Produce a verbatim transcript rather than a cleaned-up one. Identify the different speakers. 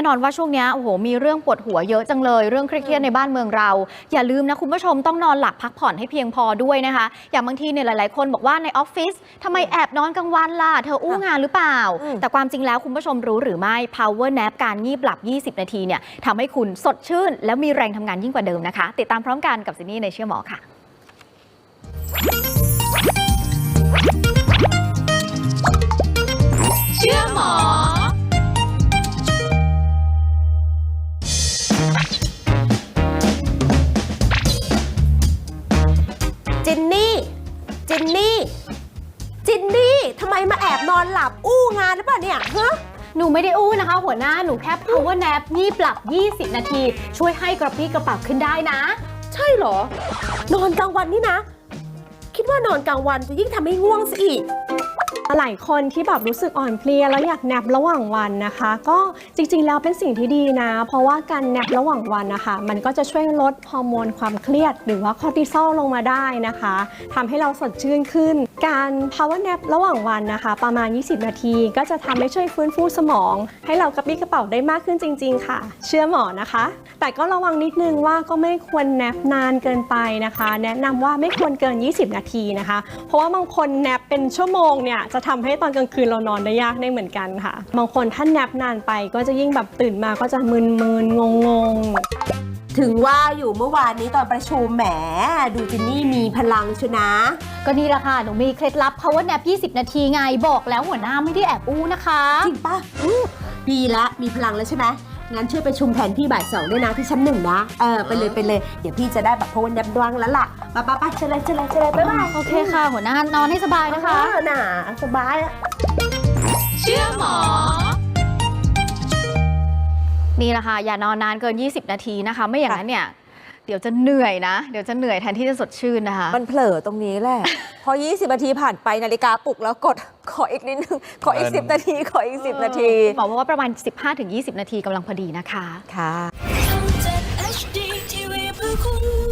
Speaker 1: น่นอนว่าช่วงนี้โอ้โหมีเรื่องปวดหัวเยอะจังเลยเรื่องเครียดในบ้านเมืองเราอย่าลืมนะคุณผู้ชมต้องนอนหลับพักผ่อนให้เพียงพอด้วยนะคะอย่างบางทีเนี่ยหลายๆคนบอกว่าในออฟฟิศทำไมแอบนอนกลางวันล่ะเธออู้งานหรือเปล่าแต่ความจริงแล้วคุณผู้ชมรู้หรือไม่ power nap การงีบหลับยี่สิบนาทีเนี่ยทำให้คุณสดชื่นและมีแรงทำงานยิ่งกว่าเดิมนะคะติดตามพร้อมกันกับซินนี่ในเชื่อหมอค่ะเชื่อหมอ
Speaker 2: จินนี่จินนี่จินนี่ทำไมมาแอบนอนหลับอู้งานหรือเปล่าเนี่ยฮะ
Speaker 1: หนูไม่ได้อู้นะคะหัวหน้าหนูแค่ power nap งีบหลับยี่สิบนาทีช่วยให้กระปรี้กระเป๋าขึ้นได้นะ
Speaker 2: ใช่เหรอนอนกลางวันนี่นะคิดว่านอนกลางวันจะยิ่งทำให้ง่วงซะอีก
Speaker 3: หลายคนที่แบบรู้สึกอ่อนเพลียแล้วอยากแนบระหว่างวันนะคะก็จริงๆแล้วเป็นสิ่งที่ดีนะเพราะว่าการแนบระหว่างวันนะคะมันก็จะช่วยลดฮอร์โมนความเครียดหรือว่าคอร์ติซอลลงมาได้นะคะทำให้เราสดชื่นขึ้นการ power nap ระหว่างวันนะคะประมาณยี่สิบนาทีก็จะทำให้ช่วยฟื้นฟูสมองให้เรากระปรี้กระเป๋าได้มากขึ้นจริงๆค่ะเชื่อหมอนะคะแต่ก็ระวังนิดนึงว่าก็ไม่ควรแนบนานเกินไปนะคะแนะนำว่าไม่ควรเกินยี่สิบนาทีนะคะเพราะว่าบางคนแนบเป็นชั่วโมงเนี่ยจะทำให้ตอนกลางคืนเรานอนได้ยากได้เหมือนกันค่ะบางคนถ้าแนบนานไปก็จะยิ่งแบบตื่นมาก็จะมึนๆงง
Speaker 2: ๆถึงว่าอยู่เมื่อวานนี้ตอนประชุมแหมดูจินนี่มีพลังชนะ
Speaker 1: ก็นี่แหละค่ะหนูมีเคล็ดลับ power nap ยี่สิบนาทีไงบอกแล้วหัวหน้าไม่ได้แอบอู้นะคะ
Speaker 2: จริงปะดีละมีพลังแล้วใช่ไหมงั้นช่วยไปชุมแผนพี่บ่ายสองด้วยนะที่ชั้นหนึ่งนะเออไปเลยไปเลยเดี๋ยวพี่จะได้แบบพวันยับดวงแล้วล่ะป้าป้าป้าเชิญเลยเชิญเลยเชิญเลยบ๊ายบาย
Speaker 1: โอเคค่ะหัวหน้านอนให้สบายนะคะ
Speaker 2: น่ะสบายอะ
Speaker 1: เชื่อหมอนี่แหละค่ะอย่านอนนานเกินยี่สิบนาทีนะคะไม่อย่างนั้นเนี่ยเดี๋ยวจะเหนื่อยนะเดี๋ยวจะเหนื่อยแทนที่จะสดชื่นนะคะ
Speaker 4: มันเผลอตรงนี้แหละพอยี่สิบนาทีผ่านไปนาฬิกาปลุกแล้วกดขออีกนิดนึงขออีกสิบนาทีขออีกสิบนาที
Speaker 1: บอกว่าประมาณ สิบห้าถึงยี่สิบ นาทีกำลังพอดีนะคะ
Speaker 4: ค่ะ